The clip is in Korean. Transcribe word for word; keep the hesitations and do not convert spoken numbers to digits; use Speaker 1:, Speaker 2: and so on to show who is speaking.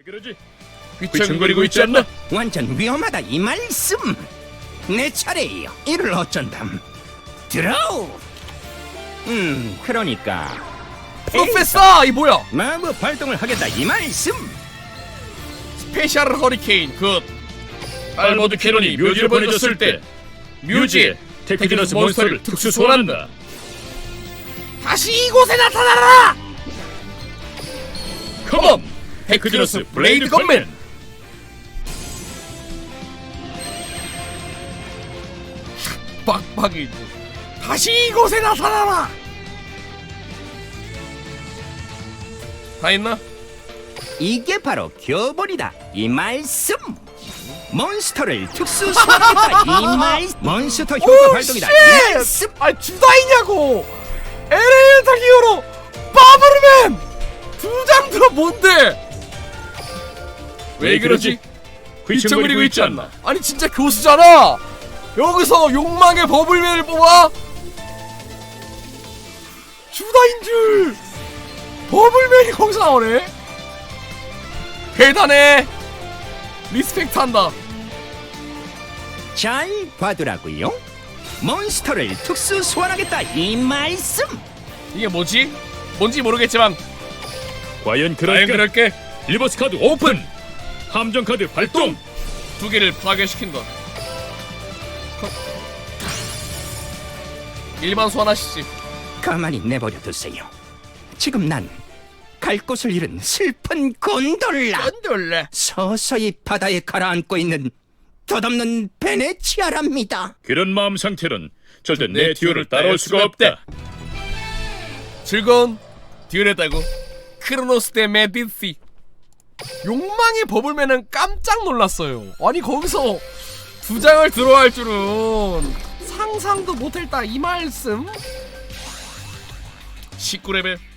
Speaker 1: 그러지?
Speaker 2: 귀청거리고 있지 않나?
Speaker 3: 완전 위험하다 이 말씀. 내 차례예요. 이를 어쩐담. 드로우. 음 그러니까
Speaker 2: 프로페서 이 뭐야?
Speaker 3: 마법 발동을 하겠다 이 말씀.
Speaker 2: 스페셜 허리케인 굿. 알버드 캐논이 묘지를 보내줬을 때 묘지에 테크디너스 몬스터를 특수 소환한다. 다시 이곳에 나타나라! 컴온! 테크디너스 블레이드 건맨! 빡빡이 다시 이곳에 나타나라! 다 했나?
Speaker 3: 이게 바로 교본이다 이 말씀. 몬스터를 특수 소환하겠다 이 말씀. 몬스터 효과 발동이다 이 말씀.
Speaker 2: 아 주다이냐고! 엘에이터 히어로 바브르맨! 두 장 들어 뭔데? 왜 그러지? 귀청거리고 있지 않나? 아니 진짜 교수잖아! 여기서 욕망의 버블맨을 뽑아? 주다인 줄! 버블맨이 거기서 나오네? 대단해! 리스펙트 한다.
Speaker 3: 잘 봐두라고요. 몬스터를 특수 소환하겠다 이 말씀.
Speaker 2: 이게 뭐지? 뭔지 모르겠지만
Speaker 1: 과연
Speaker 2: 과연
Speaker 1: 그럴까?
Speaker 2: 그럴게.
Speaker 1: 리버스 카드 오픈! 함정 카드 발동!
Speaker 2: 두 개를 파괴시킨다. 일반 소환하시지.
Speaker 3: 가만히 내버려 두세요. 지금 난 갈 곳을 잃은 슬픈 곤돌라.
Speaker 2: 꼰돌래.
Speaker 3: 서서히 바다에 가라앉고 있는 덧없는 베네치아랍니다.
Speaker 1: 그런 마음 상태론 절대 내 듀오를 따라올 수가 없다.
Speaker 2: 즐거운 듀얼했다고. 크로노스 대 메디시. 욕망의 버블맨은 깜짝 놀랐어요. 아니 거기서 두 장을 들어갈 줄은 상상도 못했다 이 말씀. 십구 레벨